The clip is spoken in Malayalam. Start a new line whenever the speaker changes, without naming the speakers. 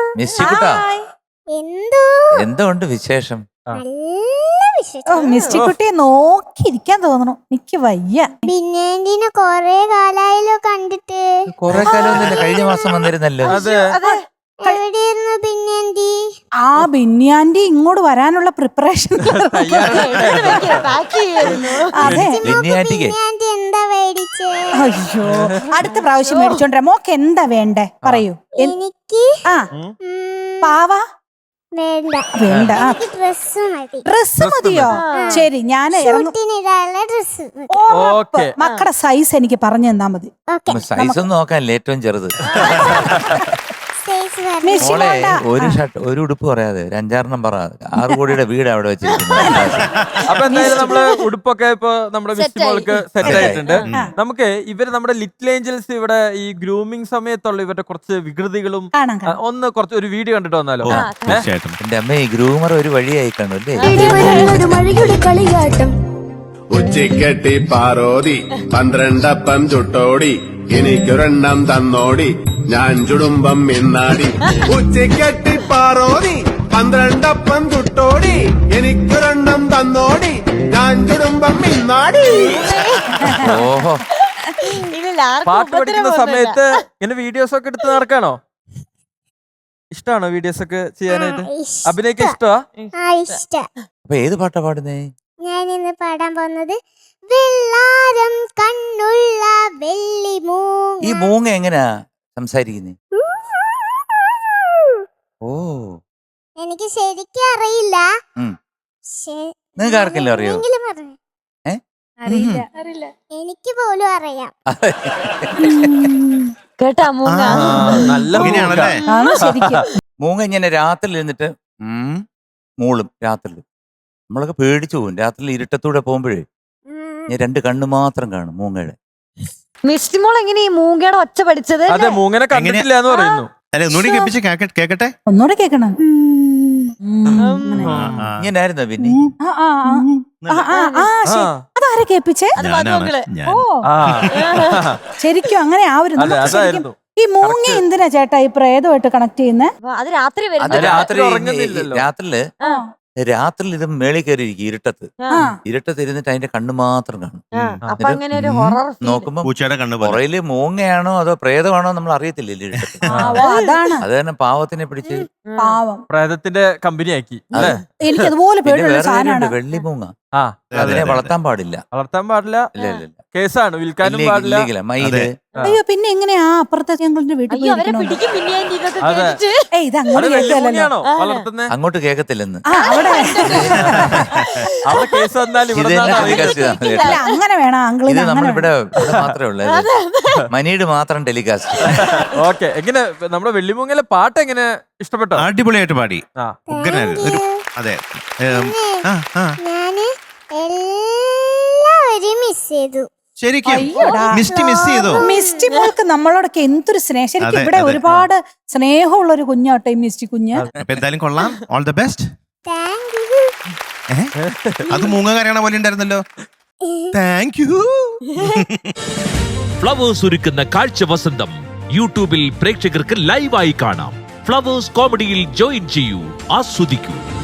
മിസ്റ്റിക്കുട്ടാ,
എന്തോ
ഉണ്ട് വിശേഷം?
മിസ്റ്റിക്കുട്ടിയെ നോക്കിയിരിക്കാൻ തോന്നണു. എനിക്ക് വയ്യ.
ബിന്യാന്റിനെ കൊറേ കാലായല്ലോ കണ്ടിട്ട്.
കൊറേ കാലമൊന്നുമില്ല, കഴിഞ്ഞ മാസം വന്നിരുന്നല്ലോ.
എവിടെയായിരുന്നു ബിന്യാന്റി?
ആ ബിന്യാന്റി ഇങ്ങോട്ട് വരാനുള്ള പ്രിപ്പറേഷൻ. അതെ,
ബിന്യാന്റിക്ക്
ബിന്യാന്റി എന്താ മേടിച്ചേ?
അയ്യോ, അടുത്ത പ്രാവശ്യം മേടിച്ചോണ്ടേ. മോക്ക് എന്താ വേണ്ടേ പറയൂ.
എനിക്ക്
ആ പാവ
വേണ്ട,
വേണ്ട.
ഡ്രസ് മതി.
ഡ്രസ് മതിയോ? ശരി, ഞാൻ
ഷൂട്ടിനിടാനുള്ള ഡ്രസ്.
മക്കളുടെ സൈസ് എനിക്ക് പറഞ്ഞു തന്നാ മതി.
സൈസ് ഒന്നും നോക്കാനില്ല, ഏറ്റവും ചെറുത്. മോളെ ഒരു ഷർട്ട് ഒരു ഉടുപ്പ് പറയാതെ ഒരു 5-6 പറ. 6 കോടിയുടെ വീട് അവിടെ വെച്ചിരിക്കുന്നത്.
അപ്പൊ എന്തായാലും നമ്മള് ഉടുപ്പൊക്കെ ഇപ്പൊ നമ്മുടെ മിസ്റ്റിമോൾക്ക് സെറ്റ് ആയിട്ടുണ്ട്. നമുക്ക് ഇവര് നമ്മുടെ ലിറ്റിൽ ഏഞ്ചൽസ് ഇവിടെ ഈ ഗ്രൂമിംഗ് സമയത്തുള്ള ഇവരുടെ കുറച്ച് വികൃതികളും ഒന്ന് കുറച്ച് ഒരു വീഡിയോ കണ്ടിട്ട് വന്നാലോ?
എന്റെ അമ്മ ഈ ഗ്രൂമർ ഒരു വഴിയായി കാണും അല്ലേ?
ഉച്ചിക്കെട്ടി പാറോതി 12 അപ്പം ചുട്ടോടി എനിക്കൊരെണ്ണം തന്നോടി ഞാൻ ചുടുമ്പം മിന്നാടി. ഉച്ചിക്കെട്ടി പാറോതി 12 അപ്പം ചുട്ടോടി എനിക്കൊരെണ്ണം തന്നോടി ഞാൻ ചുടുമ്പം മിന്നാടി.
ഓഹോ,
പാട്ട് പഠിക്കുന്ന സമയത്ത് ഇങ്ങനെ വീഡിയോസ് ഒക്കെ എടുത്ത് നടക്കാണോ? ഇഷ്ടമാണോ വീഡിയോസ് ഒക്കെ ചെയ്യാനായിട്ട്? അഭിനയിക്കാൻ ഇഷ്ടമാ?
അപ്പൊ ഏത് പാട്ടാ പാടുന്നേ?
ഞാൻ ഇന്ന് പാടാൻ പോകുന്നത് വെള്ളാരം കണ്ണുള്ള വെള്ളി മൂങ്ങ.
ഈ മൂങ്ങ എങ്ങനെയാ സംസാരിക്കുന്നേ? ഓ,
എനിക്ക് ശരിക്കും അറിയില്ല.
നിങ്ങൾക്ക് ആർക്കെല്ലാം അറിയോ?
എനിക്ക് പോലും അറിയാം.
കേട്ടാ മൂങ്ങ
നല്ല
മൂങ്ങ ഇങ്ങനെ രാത്രി ഇരുന്നിട്ട് മൂളും. രാത്രി നമ്മളൊക്കെ പേടിച്ചു പോകും. രാത്രി ഇരുട്ടത്തൂടെ പോകുമ്പോഴേ ഞാൻ 2 കണ്ണ് മാത്രം കാണും മൂങ്ങയുടെ.
മിസ്റ്റിമോൾ എങ്ങനെ ഈ മൂങ്ങയുടെ ഒച്ച പഠിച്ചത്?
അതെ, മൂങ്ങനെ കണ്ടിട്ടില്ല എന്ന് പറയുന്നു.
കേക്കട്ടെ,
ഒന്നുകൂടെ കേക്കണം.
ഇങ്ങനായിരുന്നോ പിന്നെ?
അതാരെ കേൾപ്പിച്ചേ? ഓ, ശരിക്കും അങ്ങനെ ആവരുന്നു. ഈ മൂങ്ങ എന്തിനാ ചേട്ടാ ഈ പ്രേതമായിട്ട് കണക്ട് ചെയ്യുന്നേ?
അത് രാത്രി
രാത്രി ഇത് മേളിൽ കയറി ഇരിക്കും ഇരുട്ടത്ത് ഇരുന്നിട്ട് അതിന്റെ കണ്ണ് മാത്രം കാണും. നോക്കുമ്പോ പുറയില് മൂങ്ങയാണോ അതോ പ്രേതമാണോ നമ്മൾ അറിയത്തില്ല. അത് തന്നെ പാവത്തിനെ പിടിച്ച്
പ്രേതത്തിന്റെ കമ്പനിയാക്കി.
എനിക്ക് അതുപോലെ
വെള്ളി മൂങ്ങ. അതിനെ വളർത്താൻ പാടില്ല.
കേസാണ്, വിൽക്കാനും പാടില്ല.
മയില്.
അയ്യോ, പിന്നെ എങ്ങനെയാ അപ്പുറത്തെ ഞങ്ങളുടെ വീട്ടിൽ
അങ്ങോട്ട് കേക്കത്തില്ലെന്ന്.
അങ്ങനെ വേണം.
ഇത് നമ്മളിവിടെ മാത്രമേ ഉള്ളൂ, മനീട് മാത്രം ടെലികാസ്റ്റ്.
ഓക്കെ, എങ്ങനെ നമ്മുടെ വെള്ളിമൂങ്ങയിലെ പാട്ട് എങ്ങനെ ഇഷ്ടപ്പെട്ടോ?
അടിപൊളിയായിട്ട് പാടി. അതെ,
എല്ലാവരും മിസ് ചെയ്തു.
ശരിക്കും മിസ് ചെയ്തോ?
മിസ്റ്റി മോൾക്ക് നമ്മളോടൊക്കെ എന്തൊരു സ്നേഹം. ശരിക്കും ഇവിടെ ഒരുപാട് സ്നേഹമുള്ള ഒരു കുഞ്ഞാട്ടെ മിസ്റ്റി കുഞ്ഞ്.
എന്തായാലും കൊള്ളാം. All the best.
Thank you.
അത് മൂങ്ങ കരയണ പോലെ ഉണ്ടായിരുന്നല്ലോ. Thank you.
ഫ്ലവേഴ്സ് ഒരുക്കുന്ന കാഴ്ച വസന്തം യൂട്യൂബിൽ പ്രേക്ഷകർക്ക് ലൈവായി കാണാം. ഫ്ലവേഴ്സ് കോമഡിയിൽ ജോയിൻ ചെയ്യൂ, ആസ്വദിക്കൂ.